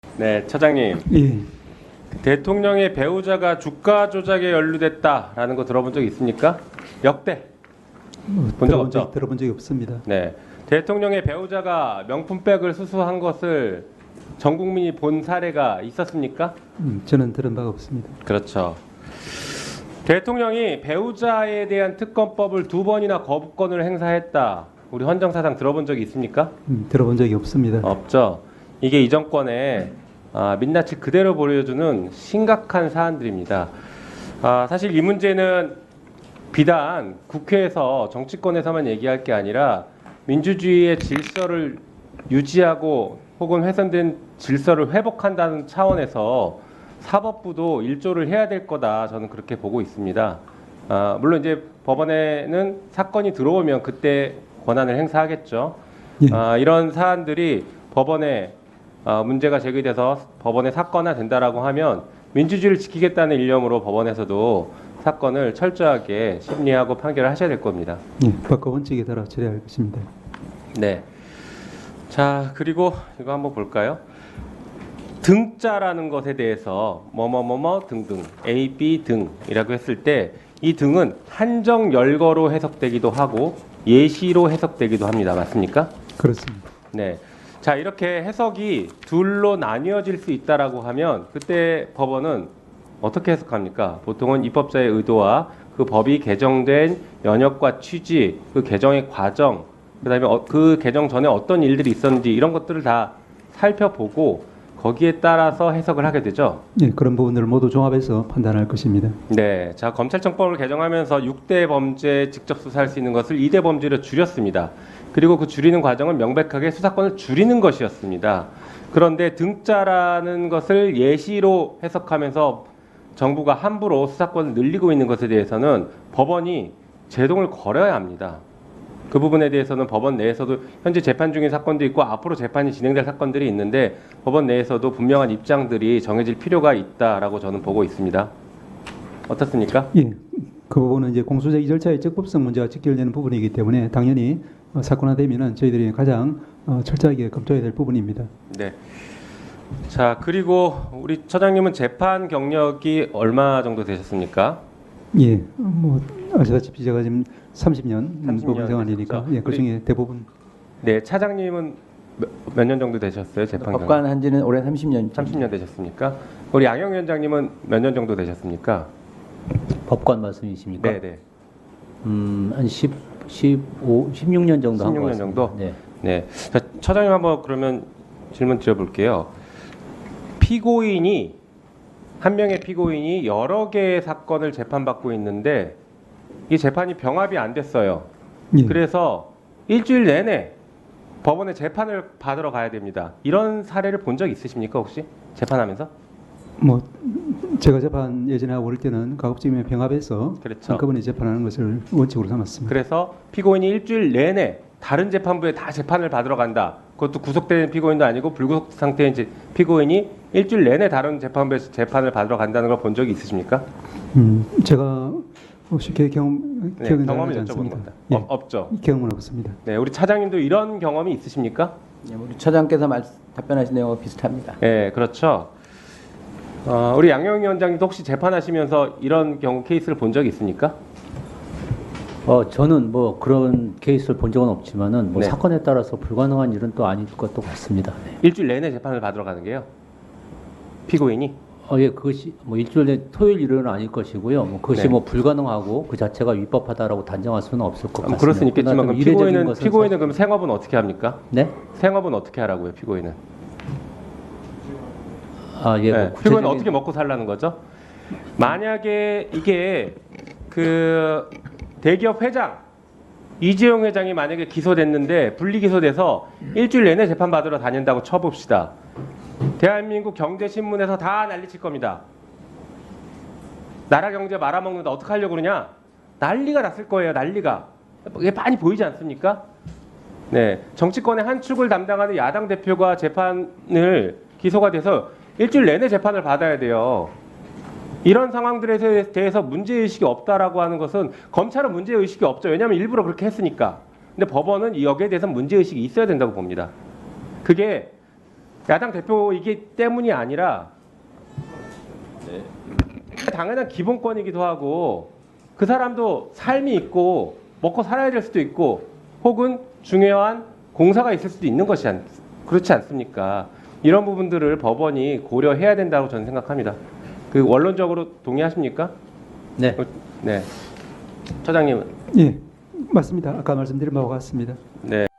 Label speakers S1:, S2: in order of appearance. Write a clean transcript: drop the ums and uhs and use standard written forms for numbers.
S1: 네, 차장님.
S2: 예,
S1: 대통령의 배우자가 주가 조작에 연루됐다라는 거 들어본 적 있습니까? 역대 본 적 없죠?
S2: 들어본 적이 없습니다.
S1: 네, 대통령의 배우자가 명품백을 수수한 것을 전 국민이 본 사례가 있었습니까?
S2: 저는 들은 바가 없습니다.
S1: 그렇죠. 대통령이 배우자에 대한 특검법을 2번이나 거부권을 행사했다. 우리 헌정사상 들어본 적이 있습니까?
S2: 들어본 적이 없습니다.
S1: 없죠. 이게 이 정권의 민낯을 그대로 보여주는 심각한 사안들입니다. 사실 이 문제는 비단 국회에서 정치권에서만 얘기할 게 아니라 민주주의의 질서를 유지하고 혹은 훼손된 질서를 회복한다는 차원에서 사법부도 일조를 해야 될 거다. 저는 그렇게 보고 있습니다. 물론 이제 법원에는 사건이 들어오면 그때 권한을 행사하겠죠.
S2: 예.
S1: 이런 사안들이 법원에 문제가 제기돼서 법원에 사건화 된다라고 하면 민주주의를 지키겠다는 일념으로 법원에서도 사건을 철저하게 심리하고 판결을 하셔야 될 겁니다.
S2: 예, 법과 원칙에 따라 처리할 것입니다.
S1: 네. 자, 그리고 이거 한번 볼까요? 등자라는 것에 대해서 뭐뭐뭐뭐 등등 A, B 등이라고 했을 때 이 등은 한정 열거로 해석되기도 하고 예시로 해석되기도 합니다. 맞습니까?
S2: 그렇습니다.
S1: 네. 자, 이렇게 해석이 둘로 나뉘어질 수 있다라고 하면 그때 법원은 어떻게 해석합니까? 보통은 입법자의 의도와 그 법이 개정된 연역과 취지, 그 개정의 과정, 그다음에 그 개정 전에 어떤 일들이 있었는지 이런 것들을 다 살펴보고 거기에 따라서 해석을 하게 되죠.
S2: 예, 그런 부분들을 모두 종합해서 판단할 것입니다.
S1: 네. 자, 검찰청법을 개정하면서 6대 범죄 직접 수사할 수 있는 것을 2대 범죄로 줄였습니다. 그리고 그 줄이는 과정은 명백하게 수사권을 줄이는 것이었습니다. 그런데 등자라는 것을 예시로 해석하면서 정부가 함부로 수사권을 늘리고 있는 것에 대해서는 법원이 제동을 걸어야 합니다. 그 부분에 대해서는 법원 내에서도 현재 재판 중인 사건도 있고 앞으로 재판이 진행될 사건들이 있는데 법원 내에서도 분명한 입장들이 정해질 필요가 있다라고 저는 보고 있습니다. 어떻습니까?
S2: 예, 그 부분은 이제 공소제기 절차의 적법성 문제가 직결되는 부분이기 때문에 당연히 사건화되면은 저희들이 가장 철저하게 검토해야 될 부분입니다.
S1: 네. 자, 그리고 우리 처장님은 재판 경력이 얼마 정도 되셨습니까?
S2: 예, 뭐 아시다시피 제가 지금 30년
S1: 30년
S2: 법원 생활이니까
S1: 되셨죠?
S2: 예, 그 중에 대부분
S1: 네, 차장님은 몇 년 정도 되셨어요? 재판 경력?
S3: 법관 한지는 올해 30년.
S1: 30년 되셨습니까? 우리 양영 위원장님은 몇 년 정도 되셨습니까?
S3: 법관 말씀이십니까?
S1: 네, 네.
S3: 한 16년 정도 한 것
S1: 16년
S3: 같습니다.
S1: 정도?
S3: 네.
S1: 네. 자, 처장님 한번 그러면 질문 드려볼게요. 피고인이 한 명의 피고인이 여러 개의 사건을 재판받고 있는데 이 재판이 병합이 안 됐어요.
S2: 예.
S1: 그래서 일주일 내내 법원에 재판을 받으러 가야 됩니다. 이런 사례를 본 적 있으십니까 혹시 재판하면서?
S2: 뭐 제가 재판 예전에 하고 그럴 때는 가급적이면 병합해서
S1: 그렇죠.
S2: 한꺼번에 재판하는 것을 원칙으로 삼았습니다.
S1: 그래서 피고인이 일주일 내내 다른 재판부에 다 재판을 받으러 간다. 그것도 구속된 피고인도 아니고 불구속 상태인 피고인이 일주일 내내 다른 재판부에서 재판을 받으러 간다는 걸 본 적이 있으십니까?
S2: 제가 쉽게 기억이
S1: 경험을
S2: 나지
S1: 여쭤보는
S2: 않습니다.
S1: 겁니다.
S2: 예,
S1: 없죠.
S2: 경험은 없습니다.
S1: 네, 우리 차장님도 이런 경험이 있으십니까?
S3: 네, 우리 처장께서 답변하신 내용과 비슷합니다.
S1: 네, 그렇죠. 우리 양영 위원장님도 혹시 재판하시면서 이런 경우 케이스를 본 적이 있습니까?
S3: 저는 뭐 그런 케이스를 본 적은 없지만은 뭐
S1: 네.
S3: 사건에 따라서 불가능한 일은 또 아닐 것도 같습니다. 네.
S1: 일주일 내내 재판을 받으러 가는 게요. 피고인이
S3: 예, 그것이 뭐 일주일 내 토요일 일요일은 아닐 것이고요. 뭐 그것이
S1: 네.
S3: 뭐 불가능하고 그 자체가 위법하다라고 단정할 수는 없을 것 같습니다.
S1: 그럴 수는 있겠지만
S3: 그러나
S1: 그럼
S3: 좀 이례적인 것은
S1: 피고인은 그럼 생업은 어떻게 합니까?
S3: 네?
S1: 생업은 어떻게 하라고요, 피고인은?
S3: 예,
S1: 네,
S3: 뭐
S1: 피고인은
S3: 구체적인-
S1: 어떻게 먹고 살라는 거죠? 만약에 이게 그 대기업 회장 이재용 회장이 만약에 기소됐는데 분리기소돼서 일주일 내내 재판 받으러 다닌다고 쳐봅시다. 대한민국 경제신문에서 다 난리칠 겁니다. 나라 경제 말아먹는다 어떻게 하려고 그러냐? 난리가 났을 거예요. 난리가. 이게 많이 보이지 않습니까? 네, 정치권의 한 축을 담당하는 야당 대표가 재판을 기소가 돼서 일주일 내내 재판을 받아야 돼요. 이런 상황들에 대해서 문제의식이 없다라고 하는 것은 검찰은 문제의식이 없죠. 왜냐하면 일부러 그렇게 했으니까. 근데 법원은 여기에 대해서 문제의식이 있어야 된다고 봅니다. 그게 야당 대표이기 때문이 아니라 당연한 기본권이기도 하고 그 사람도 삶이 있고 먹고 살아야 될 수도 있고 혹은 중요한 공사가 있을 수도 있는 것이 그렇지 않습니까? 이런 부분들을 법원이 고려해야 된다고 저는 생각합니다. 그 원론적으로 동의하십니까?
S3: 네.
S1: 네. 처장님은?
S2: 예, 맞습니다. 아까 말씀드린 바와 같습니다.
S1: 네.